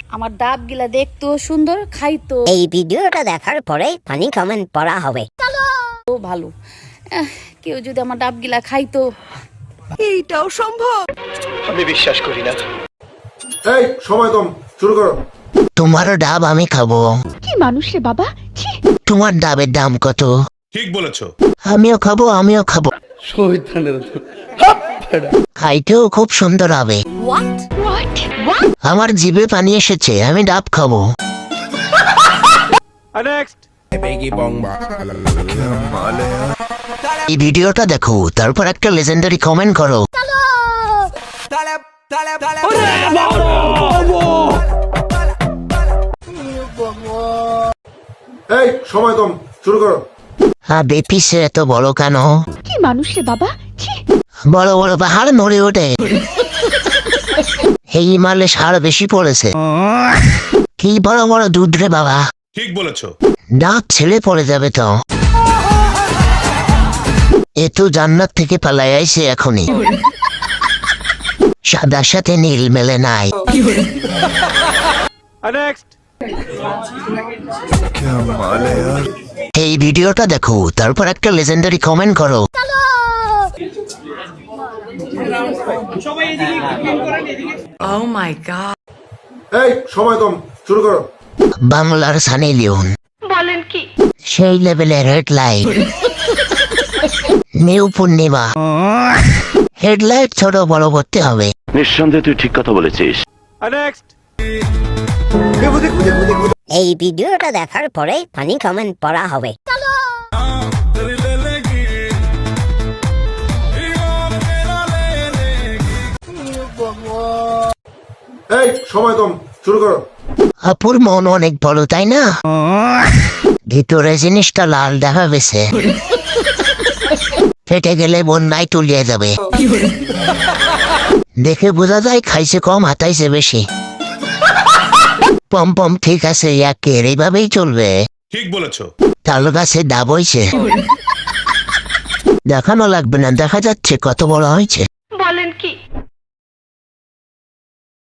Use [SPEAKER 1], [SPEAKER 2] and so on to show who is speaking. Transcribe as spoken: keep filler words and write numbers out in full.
[SPEAKER 1] আমার ডাবগুলা দেখতেও সুন্দর, খাইতো
[SPEAKER 2] এই ভিডিওটা দেখার পরে ফানি কমেন্ট পড়া হবে।
[SPEAKER 1] ভালো। আহ, কেউ যদি আমার ডাবগুলা খাইতো।
[SPEAKER 3] এইটাও সম্ভব?
[SPEAKER 4] আমি বিশ্বাস করি না।
[SPEAKER 5] এই সময় কম, শুরু করো।
[SPEAKER 6] তোমার ডাব আমি খাবো।
[SPEAKER 3] কি মানুষ রে বাবা, ছি।
[SPEAKER 6] তোমার ডাবের দাম কত?
[SPEAKER 7] ঠিক বলেছো।
[SPEAKER 6] আমিও খাবো, আমিও খাবো। খাইতেও খুব সুন্দর হবে। আমার জিভে পানি এসেছে, আমি ডাব খাবো। এই ভিডিওটা দেখো, তারপর একটা লেজেন্ডারি কমেন্ট করো।
[SPEAKER 5] এই সময় কম, শুরু করো।
[SPEAKER 6] হ্যাঁ, বেপিসে এত বড় কেন?
[SPEAKER 3] কি মানুষ রে বাবা, ছি।
[SPEAKER 6] বড় বড় পাহাড় নড়ে ওঠে। এই মারলে সার বেশি পড়েছে। কি বড় বড় দুধ রে বাবা।
[SPEAKER 7] ঠিক বলেছো।
[SPEAKER 6] ডাব ছেলে পড়ে যাবে তো। এ তো জান্নাত থেকে পালাই আইছে এখনই। সাদার সাথে নীল মেলে নাই। এই ভিডিওটা দেখো, তারপর একটা লেজেন্ডারি কমেন্ট করো।
[SPEAKER 5] এই সময় কম, শুরু করো।
[SPEAKER 6] বাংলার সানি লিওন
[SPEAKER 3] বলেন কি?
[SPEAKER 6] সেই লেভেলের হেডলাইট। নিউ পূর্ণিমা হেডলাইট ছোট বড় করতে হবে।
[SPEAKER 4] নিঃসন্দেহে তুই ঠিক কথা বলেছিস।
[SPEAKER 2] এই ভিডিওটা দেখার পরে ফানি কমেন্ট পড়া হবে।
[SPEAKER 5] এই সময় কম, শুরু করো।
[SPEAKER 6] আপুর মন অনেক বড়, তাই না? ভিতরে জিনিসটা লাল দেখা গেছে। ফেটে গেলে বন্যায় তুলিয়ে যাবে। দেখে বোঝা যায় খাইছে কম, হাতাইছে বেশি। পম পম ঠিক আছে, একের এইভাবেই চলবে।
[SPEAKER 7] ঠিক বলেছো।
[SPEAKER 6] তাল গাছে ডাব হইছে। দেখানো লাগবে না, দেখা যাচ্ছে কত বড় হয়েছে।